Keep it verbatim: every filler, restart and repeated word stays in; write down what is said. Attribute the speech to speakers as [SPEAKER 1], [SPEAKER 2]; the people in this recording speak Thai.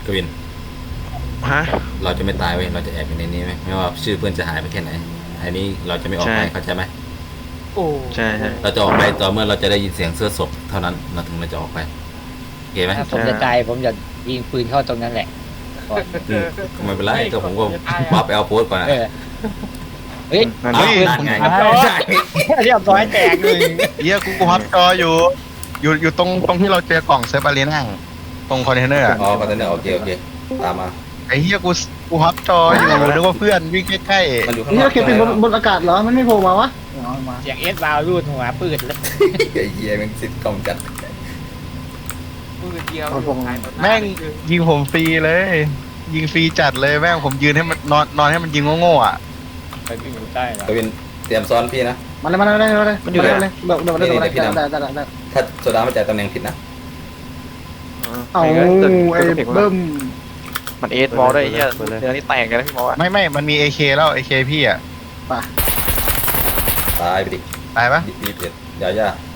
[SPEAKER 1] กวิน
[SPEAKER 2] ฮะ
[SPEAKER 1] เราจะไม่ตายเว้ยเราจะแอบอยู่ในนี้ไหมไม่ว่าชื่อเพื่อนจะหายไปแค่ไหนอันนี้เราจะไม่ออกไป
[SPEAKER 2] ใช่
[SPEAKER 1] เข้าใจไหม
[SPEAKER 3] โอ้
[SPEAKER 2] ใช่ใช่
[SPEAKER 1] เราจะออกไปต่อเมื่อเราจะได้ยินเสียงเสื้อศพเท่านั้นเราถึงเราจะออกไปโอเคไหม
[SPEAKER 4] ถ้าผมจะตายผมจะยิงปืนเข้าตรงนั้นแหละก่อน
[SPEAKER 1] อืมก็ไม่เป็นไรก็ผมก็วาร์ปไปเอาโพสต์ก่อนนะ
[SPEAKER 4] เออเฮ้ย
[SPEAKER 2] นั่น
[SPEAKER 1] เอา
[SPEAKER 2] ดิ
[SPEAKER 1] นั่นไง
[SPEAKER 4] เรียบร้อยแตกเลย
[SPEAKER 5] เฮียกูกูฮอตจออยู่ อยู่อยู่ตรงตรงที่เราเจอกล่องเซิร์ฟอารีน่าตรงคอนเทนเนอร์อะ
[SPEAKER 1] อ๋อคอนเทนเนอร์โอเคโอเคตามมา
[SPEAKER 5] ไอ้เฮียกูกูฮอตจออยู่นึกว่าเพื่อนวิ่งใกล้
[SPEAKER 1] มันอยู่ข้างน
[SPEAKER 6] นี่
[SPEAKER 1] อก
[SPEAKER 6] เราเก็บเป็นบนบนอากาศเหรอ มันไม่โผล่มาวะเอามา
[SPEAKER 4] เสียงเอสบาวรูดหัวปืนเลย
[SPEAKER 1] ไอ้เหี้ยแมันซิดกล้องจัด
[SPEAKER 3] มือเดียว
[SPEAKER 5] ๆแม่งยิงผมฟรีเลย ยิงฟรีจัดเลยแม่งผมยืนให้มันนอนนอนให้มันยิงโง่ๆอ่ะ
[SPEAKER 4] ไปวิ่งอยู่ใต้เหรอก
[SPEAKER 1] วินเตรียมซ้อนพี่นะ
[SPEAKER 6] มาเลยมาเลยมาเลยมาเลยมันอยู่เลยเดี๋ยวเดี๋ยวเดี๋ยวเดี๋ยวได้ได้ได้ได้
[SPEAKER 1] ถ้าโซดามาจ่ายตำแหน่งผิดนะ
[SPEAKER 6] เอาไอ้เบิ้ม
[SPEAKER 2] มันเอสบอลด้วยไอ้เหี้ยเนื้อนี่แตกกันแล้วพี่บอกว่า
[SPEAKER 5] ไม่ไม่มันมี เอ เค แล้ว เอ เค พี่อ่ะ
[SPEAKER 1] ตายไปดิ
[SPEAKER 5] ตายปะ
[SPEAKER 1] รีบๆเด็ดอย่าอย่า